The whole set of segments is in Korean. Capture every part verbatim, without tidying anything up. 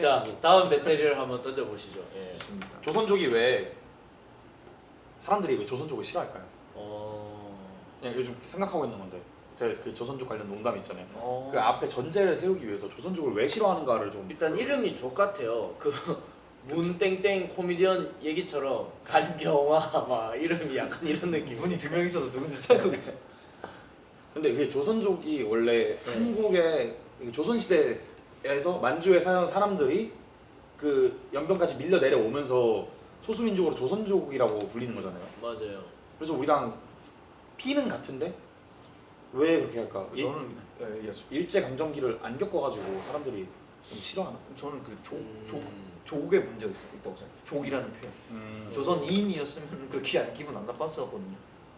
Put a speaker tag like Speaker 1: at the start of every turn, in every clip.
Speaker 1: 자 다음 배터리를 한번 던져보시죠. 예.
Speaker 2: 좋습니다.
Speaker 3: 조선족이 왜 사람들이 왜 조선족을 싫어할까요?
Speaker 1: 어...
Speaker 3: 그냥 요즘 생각하고 있는 건데 제가 그 조선족 관련 농담 있잖아요.
Speaker 2: 어.
Speaker 3: 그 앞에 전제를 세우기 위해서 조선족을 왜 싫어하는가를 좀
Speaker 1: 일단 이름이 족같아요. 그 문땡땡 코미디언 얘기처럼 간경화 막 이름이 약간 이런 느낌.
Speaker 2: 분이 두 명 있어서 누군지 생각하고 있어.
Speaker 3: 근데 그게 조선족이 원래
Speaker 1: 네.
Speaker 3: 한국의 조선 시대에서 만주에 사는 사람들이 그 연변까지 밀려 내려오면서 소수민족으로 조선족이라고 불리는 거잖아요.
Speaker 1: 맞아요.
Speaker 3: 그래서 우리랑 피는 같은데 왜 그렇게 할까?
Speaker 2: 저는 예, 얘기하죠.
Speaker 3: 일제 강점기를 안 겪어가지고 사람들이 좀 싫어하나?
Speaker 2: 저는 그족
Speaker 1: 음...
Speaker 2: 족 족의 문제가 있- 있다고 생각해요. 족이라는 표현.
Speaker 3: 음...
Speaker 2: 조선인이었으면 그렇게 안- 기분 안 나빴을 거거든요.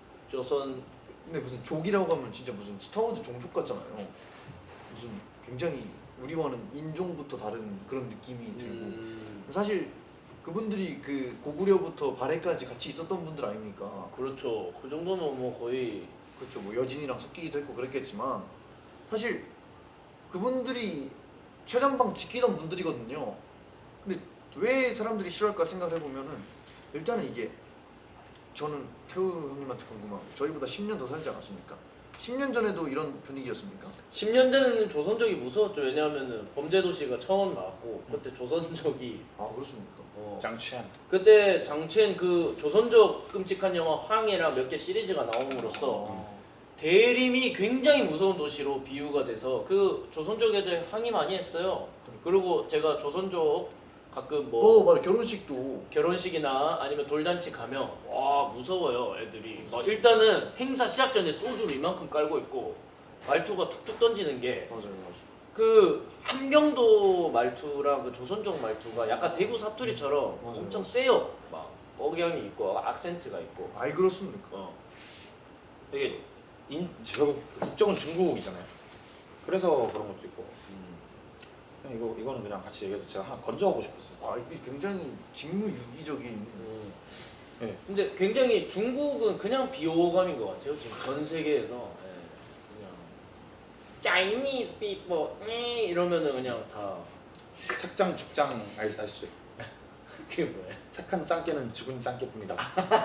Speaker 1: 조선
Speaker 2: 근데 무슨 족이라고 하면 진짜 무슨 스타워즈 종족 같잖아요. 무슨 굉장히 우리와는 인종부터 다른 그런 느낌이 들고
Speaker 1: 음...
Speaker 2: 사실 그분들이 그 고구려부터 발해까지 같이 있었던 분들 아닙니까?
Speaker 1: 그렇죠. 그 정도면 뭐 거의
Speaker 2: 그렇죠. 뭐 여진이랑 섞이기도 했고 그랬겠지만 사실 그분들이 최전방 지키던 분들이거든요. 근데 왜 사람들이 싫어할까 생각을 해보면은 일단은 이게 저는 태우 형님한테 궁금한 게 저희보다 십 년 더 살지 않았습니까? 십 년 전에도 이런 분위기였습니까?
Speaker 1: 십 년 전에는 조선족이 무서웠죠. 왜냐하면은 범죄도시가 처음 나왔고 그때 조선족이
Speaker 2: 아 그렇습니까?
Speaker 1: 어,
Speaker 3: 장취한
Speaker 1: 그때 장첸 그 조선족 끔찍한 영화 황해랑 몇 개 시리즈가 나옴으로써
Speaker 2: 어.
Speaker 1: 대림이 굉장히 무서운 도시로 비유가 돼서 그 조선족 애들 항의 많이 했어요. 그리고 제가 조선족 가끔 뭐
Speaker 2: 어 맞아 결혼식도
Speaker 1: 결혼식이나 아니면 돌잔치 가면 와 무서워요 애들이. 막 일단은 행사 시작 전에 소주를 이만큼 깔고 있고 말투가 툭툭 던지는 게
Speaker 2: 맞아요 맞아요.
Speaker 1: 그 함경도 말투랑 그 조선족 말투가 약간 대구 사투리처럼
Speaker 2: 맞아요.
Speaker 1: 엄청 세요. 막 억양이 있고 악센트가 있고.
Speaker 2: 아이 그렇습니까?
Speaker 1: 어.
Speaker 3: 이게 인 결국 국적은 중국이잖아요. 그래서 그런 것도 있고
Speaker 1: 음.
Speaker 3: 그냥 이거 이거는 그냥 같이 얘기해서 제가 하나 건져가고 싶었어요.
Speaker 2: 아 이게 굉장히 직무유기적인
Speaker 1: 음.
Speaker 3: 네.
Speaker 1: 근데 굉장히 중국은 그냥 비호감인 것 같아요. 지금 전 세계에서 예, 그냥 Chinese people 에 이러면은 그냥 다
Speaker 3: 착장 죽장 알- 아시죠?
Speaker 1: 그게 뭐야?
Speaker 3: 착한 짱깨는 죽은 짱깨뿐이다.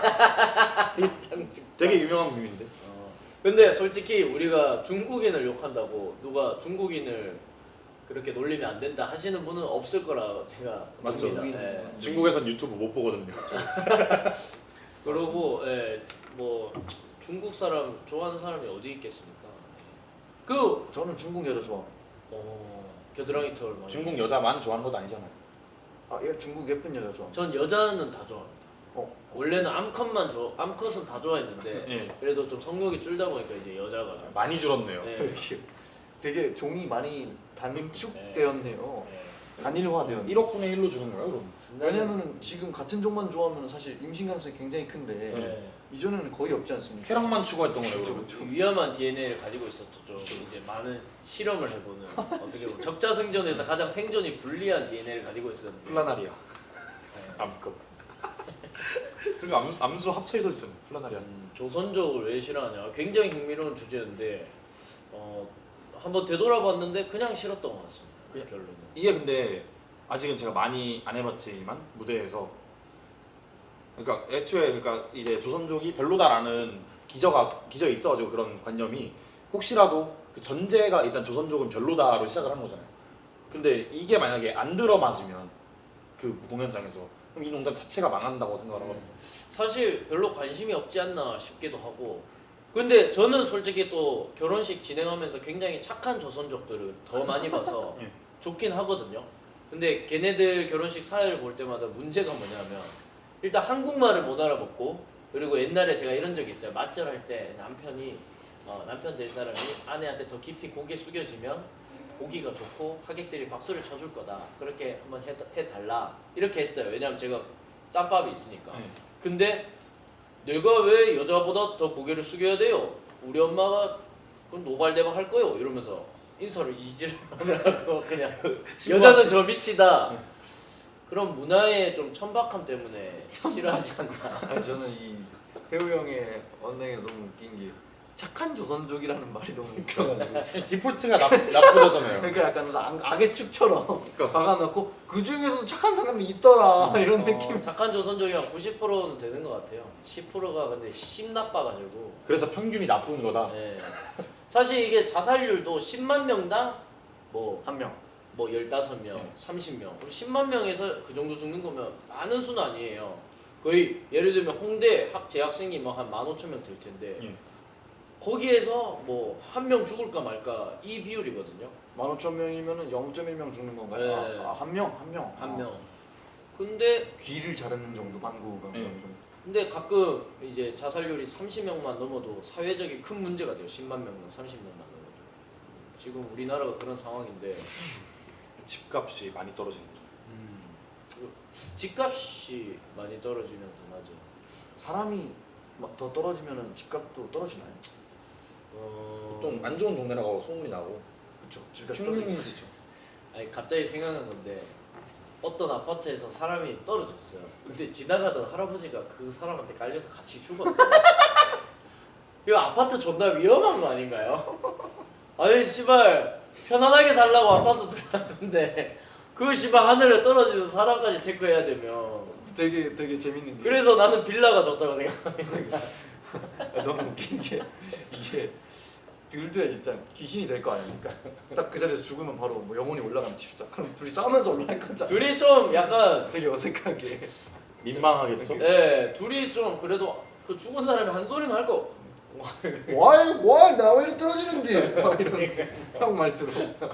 Speaker 1: 참
Speaker 3: 되게 유명한 밈인데.
Speaker 1: 어. 근데 솔직히 우리가 중국인을 욕한다고 누가 중국인을 그렇게 놀리면 안 된다 하시는 분은 없을 거라 제가
Speaker 3: 맞죠.
Speaker 1: 봅니다.
Speaker 2: 중국인.
Speaker 1: 예.
Speaker 3: 중국에선 유튜브 못 보거든요.
Speaker 1: 그리고 예, 뭐 중국 사람 좋아하는 사람이 어디 있겠습니까? 그
Speaker 2: 저는 중국 여자 좋아.
Speaker 1: 어, 겨드랑이 털 많이.
Speaker 3: 중국 여자만 좋아하는 것도 아니잖아요.
Speaker 2: 아 예, 중국 예쁜 여자 좋아.
Speaker 1: 전 여자는 다 좋아합니다.
Speaker 2: 어
Speaker 1: 원래는 암컷만 좋아, 암컷은 다 좋아했는데
Speaker 3: 예.
Speaker 1: 그래도 좀 성욕이 줄다 보니까 이제 여자가 좀.
Speaker 3: 많이 줄었네요.
Speaker 1: 네.
Speaker 2: 이렇게 되게 종이 많이 단축되었네요.
Speaker 1: 네.
Speaker 2: 단일화되었.
Speaker 3: 일억분의 일로 주는 거예요, 그럼?
Speaker 2: 왜냐면은 지금 같은 종만 좋아하면 사실 임신 가능성이 굉장히 큰데
Speaker 1: 네.
Speaker 2: 이전에는 거의 없지 않습니까?
Speaker 3: 쾌락만 추구했던 거예요,
Speaker 2: 그렇죠,
Speaker 3: 그럼?
Speaker 2: 그렇죠.
Speaker 1: 위험한 디엔에이를 가지고 있었죠. 좀 이제 많은 실험을 해보는 어떻게 보면 적자 생존에서 가장 생존이 불리한 디엔에이를 가지고 있었는데.
Speaker 3: 플라나리아.
Speaker 1: 네.
Speaker 3: 암컷. 그리고 암, 암수 합쳐서 있잖아요. 플라나리아.
Speaker 1: 음, 조선족을 왜 싫어하냐? 굉장히 흥미로운 주제인데 어, 한번 되돌아봤는데 그냥 싫었던 것 같습니다. 그
Speaker 3: 그냥-
Speaker 1: 결론은.
Speaker 3: 이게 근데 아직은 제가 많이 안 해봤지만 무대에서 그러니까 애초에 그러니까 이제 조선족이 별로다라는 기저가 기저에 있어가지고 그런 관념이 혹시라도 그 전제가 일단 조선족은 별로다로 시작을 하는 거잖아요. 근데 이게 만약에 안 들어맞으면 그 공연장에서 그럼 이 농담 자체가 망한다고 생각을 하거든요.
Speaker 1: 사실 별로 관심이 없지 않나 싶기도 하고. 근데 저는 솔직히 또 결혼식 진행하면서 굉장히 착한 조선족들을 더 많이 봐서
Speaker 3: 예.
Speaker 1: 좋긴 하거든요. 근데 걔네들 결혼식 사회를 볼 때마다 문제가 뭐냐면 일단 한국말을 못 알아먹고, 그리고 옛날에 제가 이런 적이 있어요. 맞절할 때 남편이 어, 남편 될 사람이 아내한테 더 깊이 고개 숙여지면 보기가 좋고 하객들이 박수를 쳐줄 거다. 그렇게 한번 해, 해달라. 이렇게 했어요. 왜냐면 제가 짬밥이 있으니까.
Speaker 3: 네.
Speaker 1: 근데 내가 왜 여자보다 더 고개를 숙여야 돼요? 우리 엄마가 그럼 노발대박 할 거요. 이러면서 인사를 이지를 하느라고 그냥 여자는 저 미치다.
Speaker 3: 네.
Speaker 1: 그런 문화의 좀 천박함 때문에 싫어하지 않나.
Speaker 2: 아니 저는 이 태우 형의 언행에서 너무 웃긴 게 착한 조선족이라는 말이 너무 웃겨가지고
Speaker 3: 디폴트가 나, 나쁘다잖아요.
Speaker 2: 그러니까 약간 무슨 악, 악의 축처럼
Speaker 3: 그러니까.
Speaker 2: 박아놓고 그 중에서도 착한 사람이 있더라 이런
Speaker 1: 어,
Speaker 2: 느낌.
Speaker 1: 착한 조선족이 한 구십 퍼센트는 되는 것 같아요. 십 퍼센트가 근데 심 나빠가지고.
Speaker 3: 그래서 평균이 나쁜 거다.
Speaker 1: 네. 사실 이게 자살률도 십만 명당 뭐
Speaker 2: 한 명.
Speaker 1: 뭐 열다섯 명,
Speaker 3: 네.
Speaker 1: 삼십 명, 그럼 십만 명에서 그 정도 죽는 거면 많은 수는 아니에요. 거의 예를 들면 홍대 학 재학생이 뭐 한 만 오천 명 될 텐데
Speaker 3: 예.
Speaker 1: 거기에서 뭐 한 명 죽을까 말까 이 비율이거든요.
Speaker 2: 만 오천 명이면은 영 점 일 명 죽는 건가요?
Speaker 1: 네.
Speaker 2: 아, 아, 한 명, 한 명.
Speaker 1: 한
Speaker 2: 아,
Speaker 1: 명. 근데
Speaker 2: 귀를 자르는 정도 방구가
Speaker 3: 네.
Speaker 2: 정도.
Speaker 1: 근데 가끔 이제 자살률이 삼십 명만 넘어도 사회적인 큰 문제가 돼요. 십만 명당 삼십 명만 넘어도. 지금 우리나라가 그런 상황인데
Speaker 3: 집값이 많이 떨어지는 거죠.
Speaker 1: 음, 그리고 집값이 많이 떨어지면서 맞아.
Speaker 2: 사람이 막 더 떨어지면은 집값도 떨어지나요?
Speaker 1: 어...
Speaker 3: 보통 안 좋은 동네라고 소문이 나고
Speaker 2: 그렇죠. 집값이 떨어지.
Speaker 3: 흉흉해지죠.
Speaker 1: 아니 갑자기 생각난 건데 어떤 아파트에서 사람이 떨어졌어요. 근데 지나가던 할아버지가 그 사람한테 깔려서 같이 죽었대. 이거 아파트 존나 위험한 거 아닌가요? 아니 씨발 편안하게 살라고 아파트 들어갔는데 그 씨발 하늘에 떨어지는 사람까지 체크해야 되면
Speaker 2: 되게 되게 재밌는 게.
Speaker 1: 그래서 나는 빌라가 좋다고 생각합니다.
Speaker 2: 아, 너무 웃긴 게 이게 둘도 진짜 귀신이 될 거 아닙니까? 딱 그 자리에서 죽으면 바로 뭐 영혼이 올라가는 칩시다. 그럼 둘이 싸우면서 올라갈 거잖아.
Speaker 1: 둘이 좀 약간
Speaker 2: 되게 어색하게.
Speaker 3: 민망하겠죠.
Speaker 1: 예 둘이 좀 그래도 그 죽은 사람이 한 소리는 할 거.
Speaker 2: 와이 와이 나왜 이렇게 떨어지는데? 막 이런 형 말투로.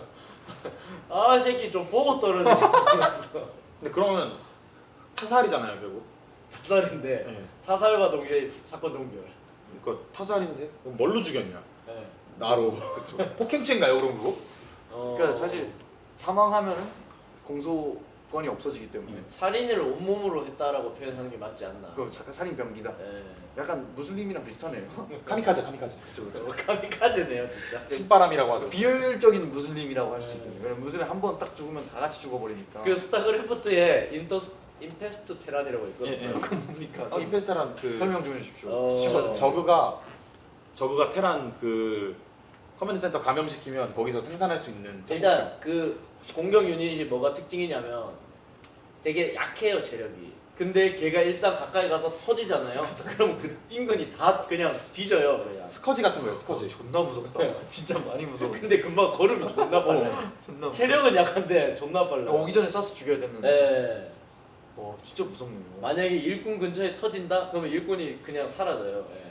Speaker 1: 아 새끼 좀 보고 떨어지지 않았어.
Speaker 3: 근데 그러면 타살이잖아요 결국.
Speaker 1: 타살인데
Speaker 3: 예.
Speaker 1: 타살과 동시에 사건 동결.
Speaker 3: 그러니까 타살인데 그럼 뭘로 죽였냐?
Speaker 1: 예.
Speaker 3: 나로. 그렇죠. 폭행죄인가요 그럼 그거?
Speaker 1: 어...
Speaker 2: 그러니까 사실 사망하면은 공소권이 없어지기 때문에
Speaker 3: 음.
Speaker 1: 살인을 온몸으로 했다라고 표현하는 게 맞지 않나.
Speaker 2: 그 사- 살인 병기다.
Speaker 1: 예.
Speaker 2: 약간 무슬림이랑 비슷하네요.
Speaker 3: 카미카제 카미카제.
Speaker 2: 그렇죠, 그렇죠.
Speaker 1: 어, 카미카제네요 진짜.
Speaker 3: 신바람이라고 하죠.
Speaker 2: 비효율적인 무슬림이라고 할 수
Speaker 1: 네.
Speaker 2: 있거든요. 왜냐면 무슬림 한 번 딱 죽으면 다 같이 죽어버리니까.
Speaker 1: 그 스타크래프트에 인터 임페스트 테란이라고 있거든요.
Speaker 3: 예, 예.
Speaker 2: 그건 뭡니까?
Speaker 3: 어, 임페스타란 그
Speaker 2: 설명 좀 해주십시오.
Speaker 1: 어.
Speaker 3: 저, 저그가 저그가 테란 그 커맨드 센터 감염시키면 거기서 생산할 수 있는
Speaker 1: 일단 그 공격 유닛이 뭐가 특징이냐면 되게 약해요 체력이. 근데 걔가 일단 가까이 가서 터지잖아요. 그럼 그 인근이 다 그냥 뒤져요. 그냥.
Speaker 3: 스커지 같은 거예요 스커지.
Speaker 2: 어, 존나 무섭다. 진짜 많이 무서워.
Speaker 1: 근데 금방 걸음이 존나 빨라.
Speaker 2: 존나 무서워.
Speaker 1: 체력은 약한데 존나 빨라.
Speaker 2: 오기 전에 쏴서 죽여야 되는데.
Speaker 1: 네.
Speaker 2: 와 진짜 무섭네요.
Speaker 1: 만약에 일꾼 근처에 터진다? 그러면 일꾼이 그냥 사라져요. 예.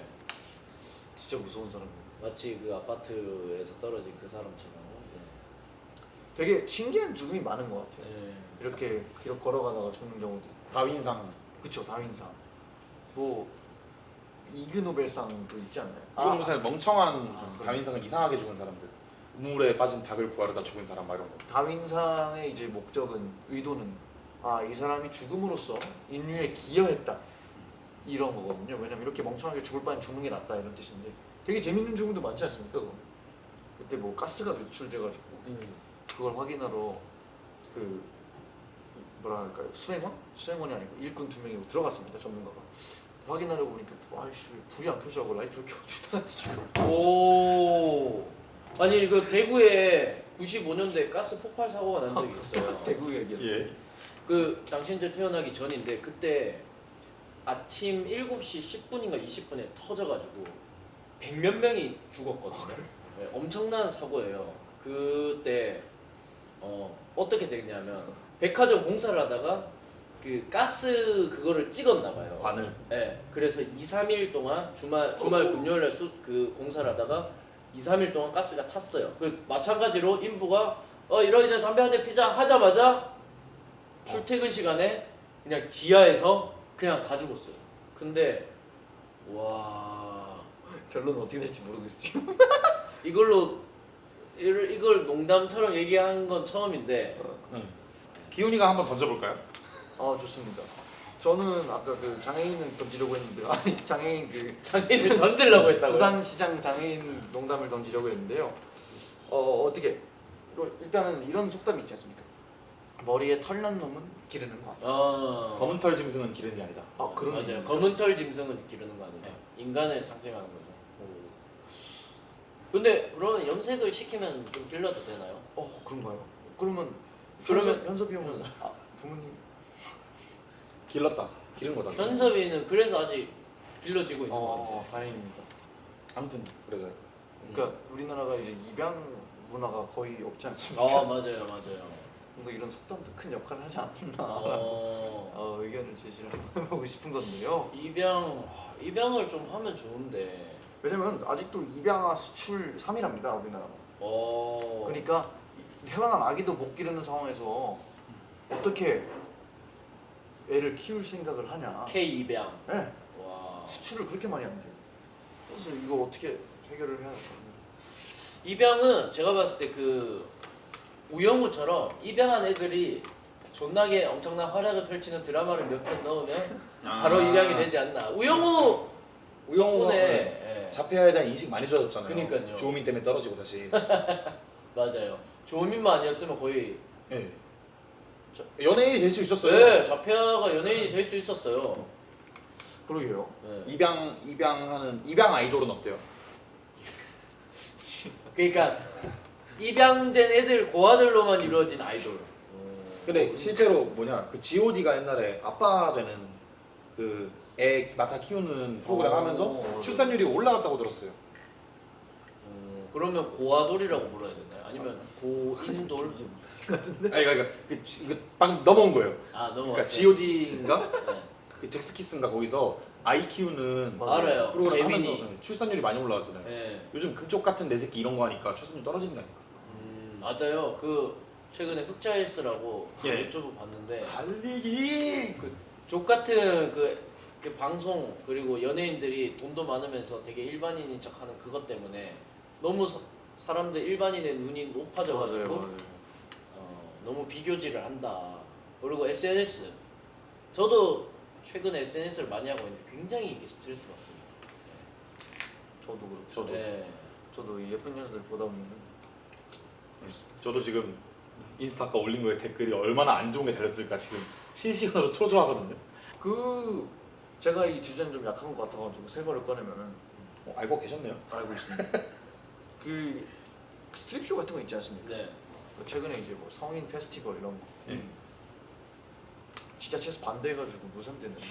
Speaker 2: 진짜 무서운 사람이에요.
Speaker 1: 마치 그 아파트에서 떨어진 그 사람처럼.
Speaker 2: 되게 신기한 죽음이 많은 것 같아요.
Speaker 1: 예. 예.
Speaker 2: 이렇게 이렇게 걸어가다가 죽는 경우도.
Speaker 3: 다윈상.
Speaker 2: 그쵸 다윈상. 뭐 이그노벨상도 있지 않나요?
Speaker 3: 이건 무슨 멍청한
Speaker 2: 아, 그래.
Speaker 3: 다윈상은 이상하게 죽은 사람들. 우물에 빠진 닭을 구하려다 죽은 사람 막 이런 거.
Speaker 2: 다윈상의 이제 목적은 의도는 아 이 사람이 죽음으로써 인류에 기여했다 이런 거거든요. 왜냐면 이렇게 멍청하게 죽을 바엔 죽는 게 낫다 이런 뜻인데 되게 재밌는 죽음도 많지 않습니까? 그거? 그때 뭐 가스가 누출돼가지고
Speaker 1: 음.
Speaker 2: 그걸 확인하러 그 뭐라 할까요? 수행원? 수행원이 아니고 일꾼 두 명이 들어갔습니다. 전문가가 확인하려고 보니까 아이씨 왜 불이 안 켜져고 라이트를 켜가지고
Speaker 1: 오. 아니 그 대구에 구십오 년도에 가스 폭발 사고가 난 적이 있어요.
Speaker 2: 대구 얘기.
Speaker 3: 예.
Speaker 1: 그 당신들 태어나기 전인데 그때 아침 일곱 시 십 분인가 이십 분에 터져가지고 백몇 명이 죽었거든요. 네, 엄청난 사고예요. 그때 어, 어떻게 됐냐면 백화점 공사를 하다가 그 가스 그거를 찍었나 봐요.
Speaker 3: 바늘.
Speaker 1: 네, 그래서 이, 삼 일 동안 주말 주말 금요일날 수, 그 공사를 하다가 이, 삼 일 동안 가스가 찼어요. 그 마찬가지로 인부가 어 이러이러 담배 한 대 피자 하자마자 출퇴근 시간에 그냥 지하에서 그냥 다 죽었어요. 근데 와
Speaker 2: 결론은 어떻게 될지 모르겠어요. 지금.
Speaker 1: 이걸로 이걸, 이걸 농담처럼 얘기한 건 처음인데
Speaker 3: 네. 기훈이가 한번 던져볼까요?
Speaker 2: 아 좋습니다. 저는 아까 그 장애인을 던지려고 했는데 아니 장애인 그
Speaker 1: 장애인을 던지려고 했다고요?
Speaker 2: 수산시장 장애인 농담을 던지려고 했는데요. 어 어떻게 이거 일단은 이런 속담이 있지 않습니까? 머리에 털난 놈은 기르는 거.
Speaker 1: 어
Speaker 3: 검은 털 짐승은 기른이 아니다.
Speaker 2: 아 그런
Speaker 1: 맞아요.
Speaker 2: 의미입니까?
Speaker 1: 검은 털 짐승은 기르는 거 아니에요.
Speaker 3: 네.
Speaker 1: 인간을 상징하는 거죠.
Speaker 2: 오.
Speaker 1: 근데 그러면 염색을 시키면 좀 길러도 되나요?
Speaker 2: 어 그런가요? 그러면
Speaker 1: 그러면-
Speaker 2: 현섭, 현섭이 형은 아, 부모님
Speaker 3: 길렀다. 기른 거다.
Speaker 1: 현섭이는 그래서 아직 길러지고 있는 것
Speaker 2: 어
Speaker 1: 같아요.
Speaker 2: 다행입니다.
Speaker 3: 아무튼 그래서
Speaker 2: 그러니까 우리나라가 이제 입양 문화가 거의 없지 않습니까?
Speaker 1: 아 맞아요, 맞아요.
Speaker 2: 뭔가 이런 속담도 큰 역할을 하지 않나
Speaker 1: 어,
Speaker 2: 어, 의견을 제시를 해보고 싶은 건데요.
Speaker 1: 입양 아, 입양을 좀 하면 좋은데.
Speaker 2: 왜냐면 아직도 입양아 수출 삼 위랍니다 우리나라가.
Speaker 1: 어.
Speaker 2: 그러니까 태어난 아기도 못 기르는 상황에서 어떻게 애를 키울 생각을 하냐.
Speaker 1: K 입양.
Speaker 2: 네,
Speaker 1: 와.
Speaker 2: 수출을 그렇게 많이 한대요. 그래서 이거 어떻게 해결을 해야 될까?
Speaker 1: 입양은 제가 봤을 때 그 우영우처럼 입양한 애들이 존나게 엄청난 활약을 펼치는 드라마를 몇 편 넣으면 바로 입양이 되지 않나. 우영우
Speaker 3: 우영우가
Speaker 1: 덕분에
Speaker 3: 네.
Speaker 1: 예.
Speaker 3: 자폐아에 대한 인식 많이 좋아졌잖아요.
Speaker 1: 그니까요.
Speaker 3: 주호민 때문에 떨어지고 다시.
Speaker 1: 맞아요. 조민만 아니었으면 거의
Speaker 3: 예.
Speaker 1: 저-
Speaker 3: 연예인이 될 수 있었어요.
Speaker 1: 네, 자폐아가 연예인이 될 수 있었어요.
Speaker 2: 그러게요.
Speaker 1: 네.
Speaker 3: 입양 입양하는 입양 아이돌은 어때요?
Speaker 1: 그러니까 입양된 애들 고아들로만 이루어진 아이돌.
Speaker 3: 근데 실제로 뭐냐 그 지오디가 옛날에 아빠 되는 그 애 맡아 키우는 프로그램
Speaker 1: 어.
Speaker 3: 하면서 출산율이 올라갔다고 들었어요.
Speaker 1: 음, 그러면 고아돌이라고 불러야 되나요? 아니면 고인돌?
Speaker 3: 아니 그러니까 그, 지- 그 방금 넘어온 거예요.
Speaker 1: 아 넘어갔어요.
Speaker 3: 그러니까 지오디인가
Speaker 1: 네.
Speaker 3: 그 잭스키스인가 거기서 아이 키우는
Speaker 1: 알아요.
Speaker 3: 프로그램
Speaker 1: 재민이.
Speaker 3: 하면서 네, 출산율이 많이 올라갔잖아요.
Speaker 1: 네.
Speaker 3: 요즘 금쪽 같은 내 새끼 이런 거 하니까 출산율 떨어지는 거 아닌가?
Speaker 1: 음, 맞아요. 그 최근에 흑자일스라고
Speaker 3: 예.
Speaker 1: 유튜브 봤는데
Speaker 3: 달리기.
Speaker 1: 그 족 같은 그, 그 방송 그리고 연예인들이 돈도 많으면서 되게 일반인인 척하는 그것 때문에 너무 사, 사람들 일반인의 눈이 높아져가지고 어, 너무 비교질을 한다. 그리고 에스엔에스 저도 최근에 에스엔에스를 많이 하고 있는데 굉장히 이게 스트레스 받습니다.
Speaker 2: 저도 그렇고.
Speaker 3: 저도.
Speaker 1: 네.
Speaker 2: 저도 이 예쁜 여자들 보다 보면
Speaker 3: 저도 지금 인스타 아까 올린 거에 댓글이 얼마나 안 좋은 게 달렸을까 지금 실시간으로 초조하거든요.
Speaker 2: 그 제가 이 주제는 좀 약한 것 같아가지고 새 거를 꺼내면은
Speaker 3: 어, 알고 계셨네요.
Speaker 2: 알고 있습니다. 그 스트립쇼 같은 거 있지 않습니까?
Speaker 1: 네.
Speaker 2: 그 최근에 이제 뭐 성인 페스티벌 이런 거
Speaker 3: 예.
Speaker 2: 지자체에서 반대해가지고 무산됐는데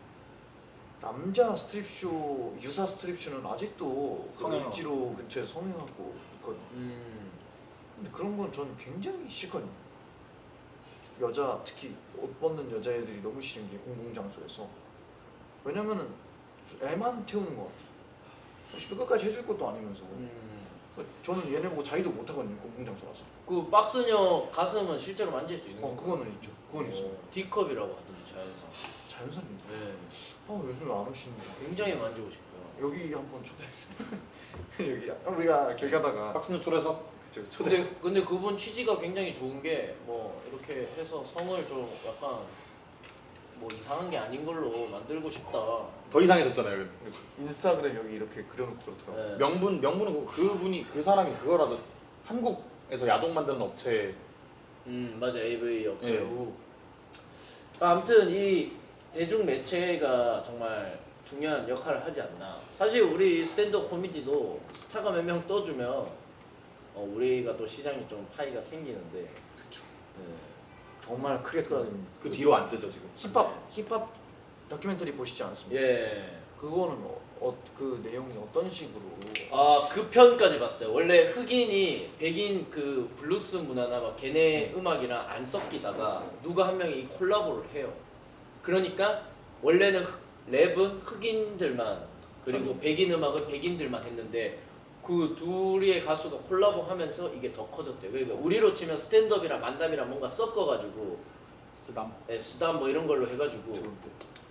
Speaker 2: 남자 스트립쇼 유사 스트립쇼는 아직도 그
Speaker 3: 성행하고.
Speaker 2: 을지로 근처에서 성행하고 있거든요.
Speaker 1: 음,
Speaker 2: 근데 그런 건 전 굉장히 싫거든요. 여자 특히 옷 벗는 여자애들이 너무 싫은 게 공공장소에서 왜냐면은 애만 태우는 것 같아. 시도 끝까지 해줄 것도 아니면서
Speaker 1: 음.
Speaker 2: 그러니까 저는 얘네 보고 자기도 못 하거든요. 공공장소라서.
Speaker 1: 그 박스녀 가슴은 실제로 만질 수 있는
Speaker 2: 어
Speaker 1: 건가요?
Speaker 2: 그거는 있죠. 그건 있어.
Speaker 1: 어, D컵이라고 하던데 자연상.
Speaker 2: 자연산입니다.
Speaker 1: 네.
Speaker 2: 아 요즘에 안 오시는데.
Speaker 1: 굉장히 만지고 싶어요.
Speaker 2: 여기 한번 초대했어요. 여기 우리가 길 가다가
Speaker 3: 박스뉴 툴에서
Speaker 2: 그쵸, 초대했어요.
Speaker 1: 근데 근데 그분 취지가 굉장히 좋은 게 뭐 이렇게 해서 성을 좀 약간 뭐 이상한 게 아닌 걸로 만들고 싶다.
Speaker 3: 더 이상해졌잖아요.
Speaker 2: 인스타그램 여기 이렇게 그려놓고 그렇더라고.
Speaker 1: 네.
Speaker 3: 명분 명분은 그- 그분이 그 사람이 그거라도 한국에서 야동 만드는 업체
Speaker 1: 음 맞아 에이브이 업체.
Speaker 3: 예.
Speaker 2: 그리고
Speaker 1: 아무튼 이 대중 매체가 정말 중요한 역할을 하지 않나. 사실 우리 스탠드업 코미디도 스타가 몇 명 떠주면 어, 우리가 또 시장이 좀 파이가 생기는데.
Speaker 2: 그쵸.
Speaker 1: 네.
Speaker 2: 정말 크게 떠야 됩니다.
Speaker 3: 그 뒤로 안 뜨죠 지금.
Speaker 2: 힙합 힙합 다큐멘터리 보시지 않았습니까?
Speaker 1: 예.
Speaker 2: 그거는 어, 어, 그 내용이 어떤 식으로
Speaker 1: 아, 그 편까지 봤어요. 원래 흑인이 백인 그 블루스 문화나 막 걔네 음악이랑 안 섞이다가 누가 한 명이 콜라보를 해요. 그러니까 원래는 흑- 랩은 흑인들만 그리고 백인 음악은 백인들만 했는데 그 둘의 가수가 콜라보 하면서 이게 더 커졌대요. 그러니까 우리로 치면 스탠드업이랑 만담이랑 뭔가 섞어가지고
Speaker 3: 쓰담
Speaker 1: 예, 수담 뭐 이런 걸로 해가지고
Speaker 2: 좋은데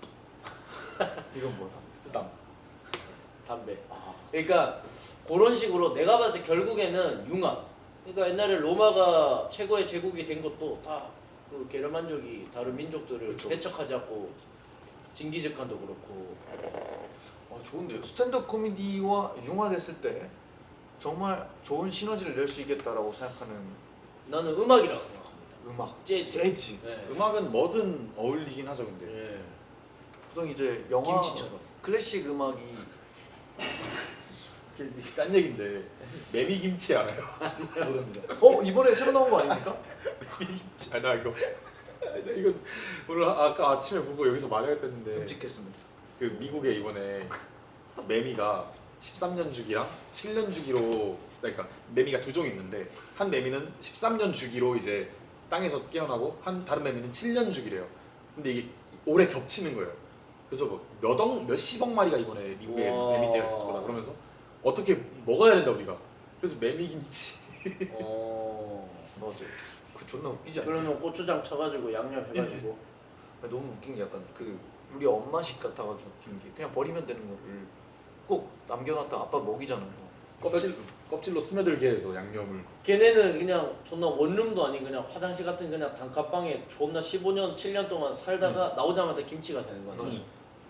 Speaker 2: 이건 뭐야?
Speaker 3: 쓰담.
Speaker 1: 담배.
Speaker 2: 아,
Speaker 1: 그러니까 그런 식으로 내가 봤을 때 결국에는 융합. 그러니까 옛날에 로마가 최고의 제국이 된 것도 다 그 게르만족이 다른 민족들을
Speaker 2: 그쵸.
Speaker 1: 배척하지 않고 징기즈칸도 그렇고.
Speaker 2: 아 좋은데요. 스탠드업 코미디와 융화됐을 때 정말 좋은 시너지를 낼 수 있겠다라고 생각하는
Speaker 1: 나는 음악이라고 생각합니다.
Speaker 2: 음악,
Speaker 1: 재즈.
Speaker 2: 재즈.
Speaker 1: 네.
Speaker 3: 음악은 뭐든 어울리긴 하죠 근데.
Speaker 1: 예.
Speaker 2: 보통 이제 영화
Speaker 1: 김치처럼.
Speaker 2: 클래식 음악이
Speaker 3: 딴 얘긴데 메미김치 알아요?
Speaker 2: 모릅니다. 어 이번에 새로 나온 거 아닙니까?
Speaker 3: 메미김치 아나 이거 나 이거 오늘 아- 아까 아침에 보고 여기서 말해야 되는데
Speaker 2: 끔찍했습니다.
Speaker 3: 그 미국에 이번에 매미가 십삼 년 주기랑 칠 년 주기로 그러니까 매미가 두 종이 있는데 한 매미는 십삼 년 주기로 이제 땅에서 깨어나고 한 다른 매미는 칠 년 주기래요. 근데 이게 올해 겹치는 거예요. 그래서 뭐몇억 몇십억 마리가 이번에 미국에
Speaker 1: 우와.
Speaker 3: 매미떼가 있을 거다. 그러면서 어떻게 먹어야 된다 우리가. 그래서 매미김치.
Speaker 1: 어.
Speaker 2: 맞아. 그 존나 웃기지 않냐?
Speaker 1: 그러면 고추장 쳐가지고 양념 해가지고.
Speaker 2: 너무 웃긴 게 약간 그 우리 엄마식 같아가지고 웃긴 게 그냥 버리면 되는 거를 꼭 남겨놨다 아빠 먹이잖아요.
Speaker 3: 껍질 껍질로 스며들게 해서 양념을.
Speaker 1: 걔네는 그냥 존나 원룸도 아닌 그냥 화장실 같은 그냥 단칸방에 존나 십오 년, 칠 년 동안 살다가 나오자마자 김치가 되는 거야.
Speaker 2: 맞아.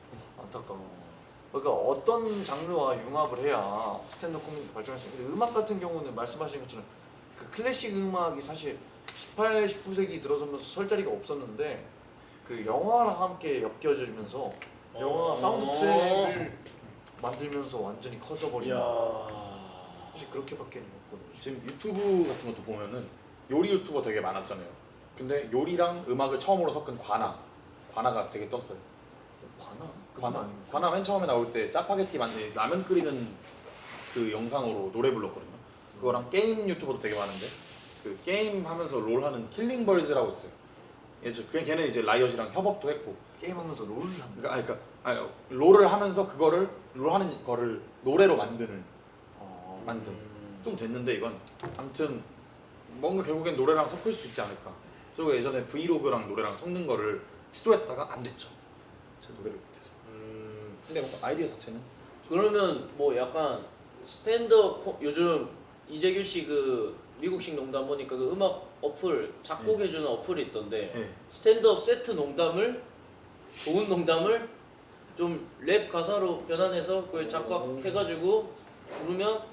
Speaker 2: 안타까워. 그러니까 어떤 장르와 융합을 해야 스탠드업 코미디 발전할 수 있는데 음악 같은 경우는 말씀하신 것처럼 그 클래식 음악이 사실 십팔, 십구 세기 들어서면서 설 자리가 없었는데 그 영화랑 함께 엮여지면서 영화
Speaker 1: 어.
Speaker 2: 사운드 트랙을 만들면서 완전히 커져버린
Speaker 1: 이야.
Speaker 2: 사실 그렇게밖에 없거든요.
Speaker 3: 지금 유튜브 같은 것도 보면은 요리 유튜버 되게 많았잖아요. 근데 요리랑 음악을 처음으로 섞은 관아, 관아가 되게 떴어요.
Speaker 2: 관아?
Speaker 3: 관아, 관아 맨 처음에 나올 때 짜파게티 만들 라면 끓이는 그 영상으로 노래 불렀거든요. 그거랑 게임 유튜버도 되게 많은데 그 게임 하면서 롤 하는 킬링벌즈라고 있어요. 예전 그냥 걔는 이제 라이엇이랑 협업도 했고.
Speaker 2: 게임하면서 롤을 한다.
Speaker 3: 그러니까 아니, 그러니까 아니, 롤을 하면서 그거를 롤 하는 거를 노래로 만드는
Speaker 2: 어...
Speaker 3: 만든.
Speaker 1: 음.
Speaker 3: 좀 됐는데 이건 아무튼 뭔가 결국엔 노래랑 섞을 수 있지 않을까. 저거 예전에 브이로그랑 노래랑 섞는 거를 시도했다가 안 됐죠. 제 노래를 못해서.
Speaker 1: 음.
Speaker 3: 근데 뭔가 아이디어 자체는
Speaker 1: 그러면 뭐 약간 스탠드업 코- 요즘 이재규 씨 그 미국식 농담 보니까 그 음악 어플 작곡해주는 어플이 있던데
Speaker 3: 네.
Speaker 1: 스탠드업 세트 농담을 좋은 농담을 좀 랩 가사로 변환해서 그걸 작곡해가지고 부르면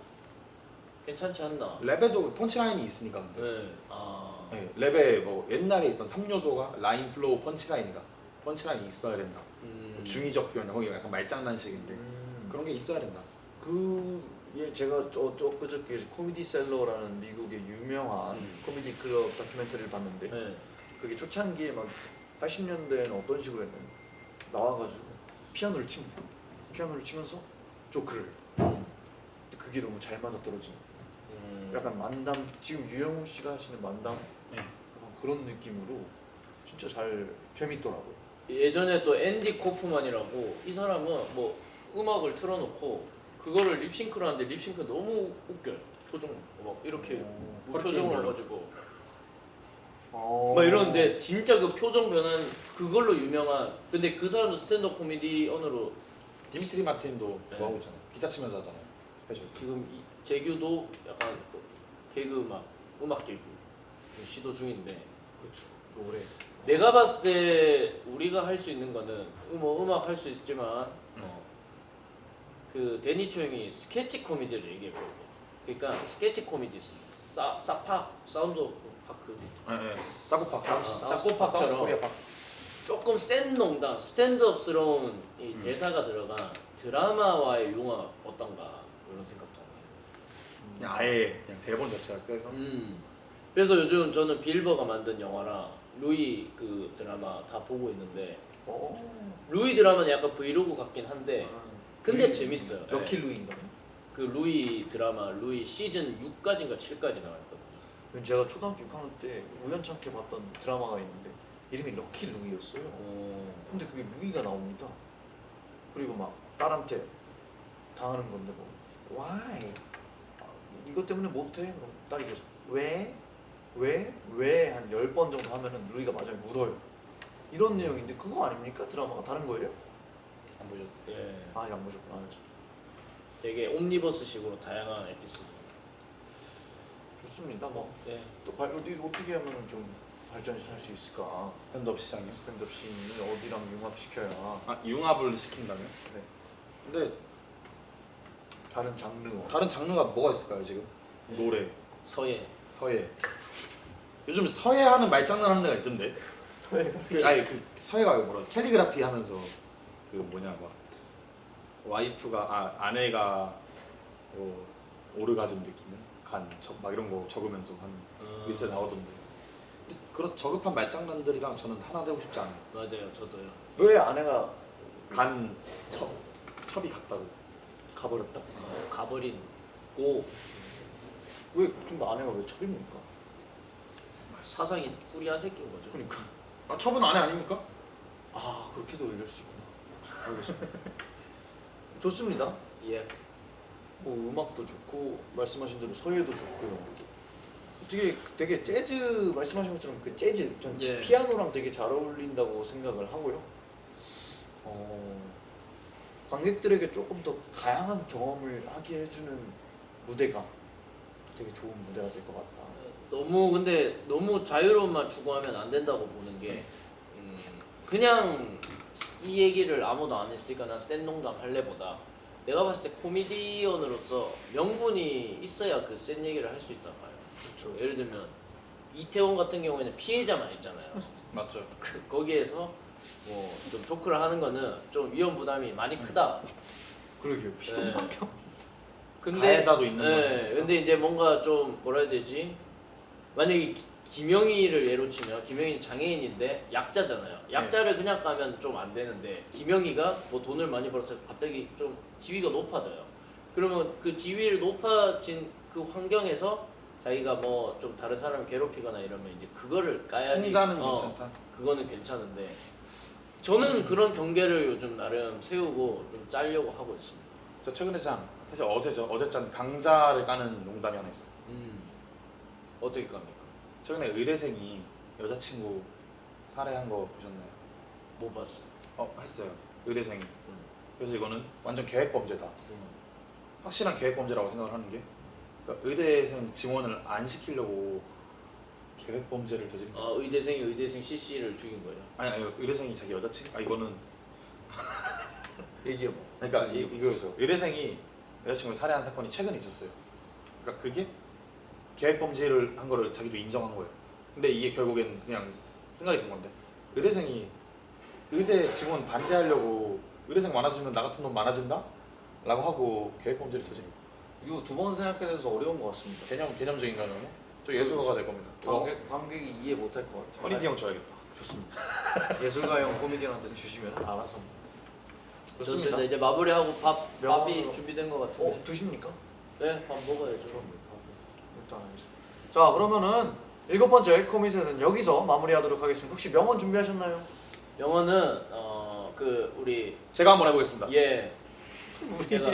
Speaker 1: 괜찮지 않나?
Speaker 3: 랩에도 펀치라인이 있으니까 근데.
Speaker 1: 네. 아.
Speaker 3: 네, 랩에 뭐 옛날에 있던 삼 요소가 라인, 플로우, 펀치라인이가 펀치라인이 있어야 된다.
Speaker 1: 음.
Speaker 3: 중의적 표현, 거기 약간 말장난식인데
Speaker 2: 음...
Speaker 3: 그런 게 있어야 된다.
Speaker 2: 그 예, 제가 저, 저 엊그저께 코미디 셀러라는 미국의 유명한
Speaker 1: 음.
Speaker 2: 코미디 클럽 다큐멘터리를 봤는데
Speaker 1: 네.
Speaker 2: 그게 초창기에 막 팔십 년대에는 어떤 식으로 했냐면 나와가지고 피아노를 칩니다. 피아노를 치면서 조크를 근데 그게 너무 잘 맞아떨어지는
Speaker 1: 음.
Speaker 2: 약간 만담 지금 유영우 씨가 하시는 만담
Speaker 3: 네.
Speaker 2: 약간 그런 느낌으로 진짜 잘 재밌더라고요.
Speaker 1: 예전에 또 앤디 코프만이라고 이 사람은 뭐 음악을 틀어놓고 그거를 립싱크를 하는데 립싱크 너무 웃겨요. 표정 막 이렇게
Speaker 2: 어.
Speaker 1: 무표정을
Speaker 3: 걸로.
Speaker 1: 해가지고
Speaker 2: 어...
Speaker 1: 막 이러는데 진짜 그 표정 변환 그걸로 유명한 근데 그 사람도 스탠드업 코미디언으로
Speaker 3: 디미트리 마틴도
Speaker 1: 네.
Speaker 3: 그거 하고 있잖아요. 기타 치면서 하잖아요. 스페셜.
Speaker 1: 지금 이- 재규도 약간 그 개그 음악 음악 개그 시도 중인데
Speaker 2: 그렇죠. 노래.
Speaker 1: 내가 봤을 때 우리가 할 수 있는 거는 음, 뭐 음악 할 수 있지만 어, 그 데니초 형이 스케치 코미디를 얘기해보고 그러니까 스케치 코미디 사, 사파 사운드 오브 파크
Speaker 3: 네, 네. 사고팍,
Speaker 1: 사- 사고팍처럼.
Speaker 3: 사우스 코리아 팍.
Speaker 1: 조금 센 농담 스탠드업스러운 이
Speaker 3: 음.
Speaker 1: 대사가 들어간 드라마와의 융합 어떤가 이런 생각도 하네요.
Speaker 3: 그냥 아예 그냥 대본 자체가 세서.
Speaker 1: 음. 그래서 요즘 저는 빌버가 만든 영화랑 루이 그 드라마 다 보고 있는데
Speaker 2: 어.
Speaker 1: 루이 드라마는 약간 브이로그 같긴 한데
Speaker 2: 아,
Speaker 1: 근데
Speaker 2: 루이-
Speaker 1: 재밌어요.
Speaker 2: 럭키
Speaker 1: 네.
Speaker 2: 루이인가요?
Speaker 1: 그 루이 드라마 루이 시즌 육까지인가 칠까지 나왔거든요.
Speaker 2: 제가 초등학교 육 학년 때 우연찮게 봤던 드라마가 있는데 이름이 럭키 루이였어요.
Speaker 1: 어.
Speaker 2: 근데 그게 루이가 나옵니다. 그리고 막 딸한테 당하는 건데 뭐 why? 아, 이것 때문에 못해? 그럼 딸이 계속 왜? 왜? 왜? 한 열 번 정도 하면은 루이가 마지막에 울어요. 이런 내용인데 그거 아닙니까? 드라마가 다른 거예요?
Speaker 3: 안 보셨대.
Speaker 1: 예.
Speaker 2: 아, 이거 안 보셨구나. 아,
Speaker 1: 되게 옴니버스식으로 다양한 에피소드.
Speaker 2: 좋습니다. 뭐
Speaker 1: 네.
Speaker 2: 또 발, 어디 어떻게 하면 좀 발전할 수 있을까?
Speaker 3: 스탠드업 시장이요.
Speaker 2: 스탠드업 씬을 어디랑 융합시켜야
Speaker 3: 아 융합을 시킨다면?
Speaker 2: 네.
Speaker 3: 근데
Speaker 2: 다른 장르
Speaker 3: 다른 장르가 뭐가 있을까요 지금? 노래,
Speaker 1: 서예.
Speaker 3: 서예. 요즘 서예 하는 말장난 하는 데가 있던데.
Speaker 2: 서예가
Speaker 3: 그 아니 그 서예가 뭐라 캘리그라피 하면서 그 뭐냐 막 와이프가 아 아내가 뭐 오르가즘 느끼는 간막 이런 거 적으면서 하는
Speaker 1: 음.
Speaker 3: 리스트 나오던데. 근데 그런 저급한 말장난들이랑 저는 하나 되고 싶지 않아요.
Speaker 1: 맞아요, 저도요.
Speaker 2: 왜 아내가
Speaker 3: 간 첩, 첩이 갔다고 가버렸다.
Speaker 1: 어, 가버린 고
Speaker 2: 왜 근데 아내가 왜 첩입니까?
Speaker 1: 사상이 꾸리한 새끼인 거죠.
Speaker 2: 그러니까
Speaker 3: 아 첩은 아내 아닙니까?
Speaker 2: 아 그렇게도 얘기할 수 있구나. 알겠습니다. 좋습니다.
Speaker 1: 예.
Speaker 2: 뭐 음악도 좋고 말씀하신 대로 서예도 좋고요. 되게 되게 재즈 말씀하신 것처럼 그 재즈 전
Speaker 1: 예.
Speaker 2: 피아노랑 되게 잘 어울린다고 생각을 하고요. 어, 관객들에게 조금 더 다양한 경험을 하게 해주는 무대가 되게 좋은 무대가 될 것 같다.
Speaker 1: 너무 근데 너무 자유로움만 추구하면 안 된다고 보는 게 음, 그냥 이 얘기를 아무도 안 했으니까 난 센 농담 할래보다 내가 봤을 때 코미디언으로서 명분이 있어야 그 센 얘기를 할 수 있단 말이야.
Speaker 2: 그렇죠.
Speaker 1: 예를 들면 이태원 같은 경우에는 피해자만 있잖아요.
Speaker 3: 맞죠.
Speaker 1: 그, 거기에서 뭐 좀 조크를 하는 거는 좀 위험 부담이 많이 크다.
Speaker 2: 그러게요. 피해자
Speaker 1: 네.
Speaker 2: 경.
Speaker 1: 근데
Speaker 3: 가해자도 있는
Speaker 1: 예,
Speaker 3: 거니까.
Speaker 1: 근데 이제 뭔가 좀 뭐라 해야 되지? 만약에 기- 김영희를 예로 치면 김영희 장애인인데 약자잖아요. 약자를 그냥 가면 좀 안 되는데 김영희가 뭐 돈을 많이 벌어서 갑자기 좀 지위가 높아져요. 그러면 그 지위를 높아진 그 환경에서 자기가 뭐 좀 다른 사람을 괴롭히거나 이러면 이제 그거를 까야지.
Speaker 3: 풍자는
Speaker 1: 어,
Speaker 3: 괜찮다.
Speaker 1: 그거는 괜찮은데 저는 그런 경계를 요즘 나름 세우고 좀 짜려고 하고 있습니다.
Speaker 3: 저 최근에 짠 사실 어제죠. 어제 짠 강자를 까는 농담이 하나 있어요.
Speaker 1: 음. 어떻게 갑니까?
Speaker 3: 최근에 의대생이 여자친구 살해한 거 보셨나요?
Speaker 1: 못 봤어.
Speaker 3: 어 했어요. 의대생이.
Speaker 1: 음.
Speaker 3: 그래서 이거는 완전 계획 범죄다.
Speaker 1: 음.
Speaker 3: 확실한 계획 범죄라고 생각을 하는 게, 그러니까 의대생 지원을 안 시키려고 계획 범죄를 저지른 거.
Speaker 1: 아 의대생이 의대생 씨씨를 죽인 거예요.
Speaker 3: 아니 아니 의대생이 자기 여자친구. 아 이거는
Speaker 2: 얘기해 봐.
Speaker 3: 그러니까 이, 이거죠. 의대생이 여자친구를 살해한 사건이 최근에 있었어요. 그러니까 그게 계획 범죄를 한 거를 자기도 인정한 거예요. 근데 이게 결국엔 그냥 생각이 든 건데, 의대생이 의대 지원 반대하려고 의대생 많아지면 나 같은 놈 많아진다? 라고 하고 계획 범죄를 저지른 거예요.
Speaker 2: 이거 두 번 생각해야 돼서 어려운 것 같습니다.
Speaker 3: 개념 개념적인 거는 저 예술가가 될 겁니다. 어?
Speaker 2: 관객 관객이 이해 못할 것 같아요.
Speaker 3: 허니디 형 줘야겠다.
Speaker 2: 좋습니다. 예술가형 코미디언한테 주시면 알아서.
Speaker 1: 좋습니다. 이제 마무리하고 밥 밥이
Speaker 2: 명함으로.
Speaker 1: 준비된 것 같은데.
Speaker 2: 어 드십니까?
Speaker 1: 네, 밥 먹어야죠.
Speaker 2: 일단 알겠습니다. 자 그러면은 일곱 번째 코미디는 여기서 마무리하도록 하겠습니다. 혹시 명언 준비하셨나요?
Speaker 1: 영어는 어 그 우리
Speaker 3: 제가 한번 해보겠습니다.
Speaker 1: 예 제가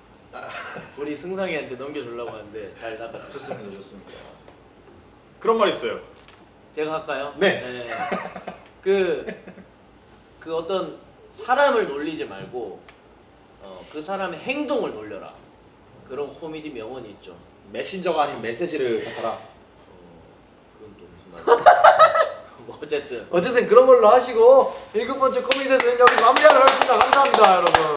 Speaker 1: 우리 승상이한테 넘겨주려고 하는데 잘 나갔죠.
Speaker 2: 좋습니다, 좋습니다.
Speaker 3: 그런 말 있어요.
Speaker 1: 제가 할까요?
Speaker 3: 네.
Speaker 1: 그, 그 어떤 사람을 놀리지 말고 어, 그 사람의 행동을 놀려라. 그런 코미디 명언이 있죠.
Speaker 3: 메신저가 아닌 메시지를 받아라.
Speaker 1: 어, 그건 또 무슨 말이야? 뭐 어쨌든
Speaker 2: 어쨌든 그런 걸로 하시고 일곱 번째 코미디는 여기서 마무리하도록 하겠습니다. 감사합니다, 여러분.